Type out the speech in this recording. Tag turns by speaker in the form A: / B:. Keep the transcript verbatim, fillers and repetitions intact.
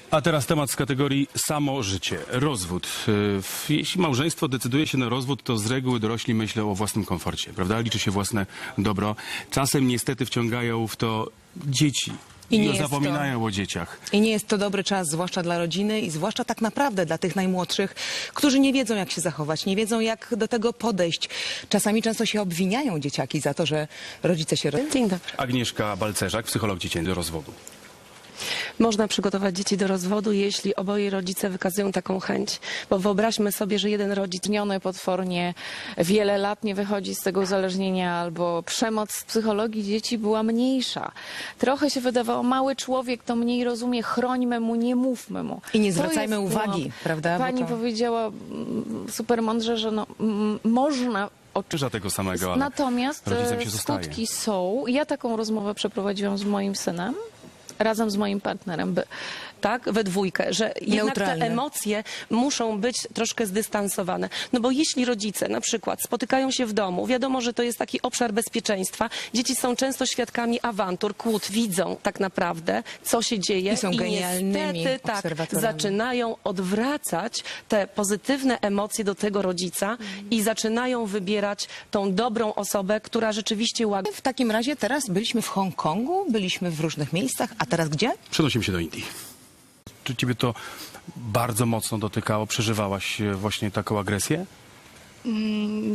A: A teraz temat z kategorii samo życie, rozwód. Yy, Jeśli małżeństwo decyduje się na rozwód, to z reguły dorośli myślą o własnym komforcie, prawda? Liczy się własne dobro. Czasem niestety wciągają w to dzieci.
B: I nie
A: I
B: jest to-
A: zapominają o dzieciach.
B: I nie jest to dobry czas, zwłaszcza dla rodziny i zwłaszcza tak naprawdę dla tych najmłodszych, którzy nie wiedzą, jak się zachować, nie wiedzą, jak do tego podejść. Czasami często się obwiniają dzieciaki za to, że rodzice się... ro-
C: Dzień dobry.
A: Agnieszka Balcerzak, psycholog dziecięcy do rozwodu.
C: Można przygotować dzieci do rozwodu, jeśli oboje rodzice wykazują taką chęć. Bo wyobraźmy sobie, że jeden rodzic
D: Zmieniony potwornie wiele lat nie wychodzi z tego uzależnienia, albo przemoc w psychologii dzieci była mniejsza. Trochę się wydawało, mały człowiek to mniej rozumie, chrońmy mu, nie mówmy mu.
B: I nie
D: To
B: zwracajmy
D: jest
B: uwagi,
D: błąd.
B: prawda? Bo
D: Pani
B: to-
D: powiedziała mm, super mądrze, że no, mm, można
A: Krzyża tego samego, ale
D: Natomiast
A: rodzicem
D: e,
A: się zostaje.
D: skutki są. Ja taką rozmowę przeprowadziłam z moim synem, razem z moim partnerem. By,
C: tak, we dwójkę, że jednak te
B: Neutralne.
C: emocje muszą być troszkę zdystansowane. No bo jeśli rodzice na przykład spotykają się w domu, wiadomo, że to jest taki obszar bezpieczeństwa, dzieci są często świadkami awantur, kłód, widzą tak naprawdę, co się dzieje
B: I są genialnymi
C: niestety tak,
B: obserwatorami.
C: zaczynają odwracać te pozytywne emocje do tego rodzica i zaczynają wybierać tą dobrą osobę, która rzeczywiście łagodzi.
B: W takim razie teraz byliśmy w Hongkongu, byliśmy w różnych miejscach, a teraz gdzie?
A: Przenosimy się do Indii. Czy ciebie to bardzo mocno dotykało? Przeżywałaś e, właśnie taką agresję?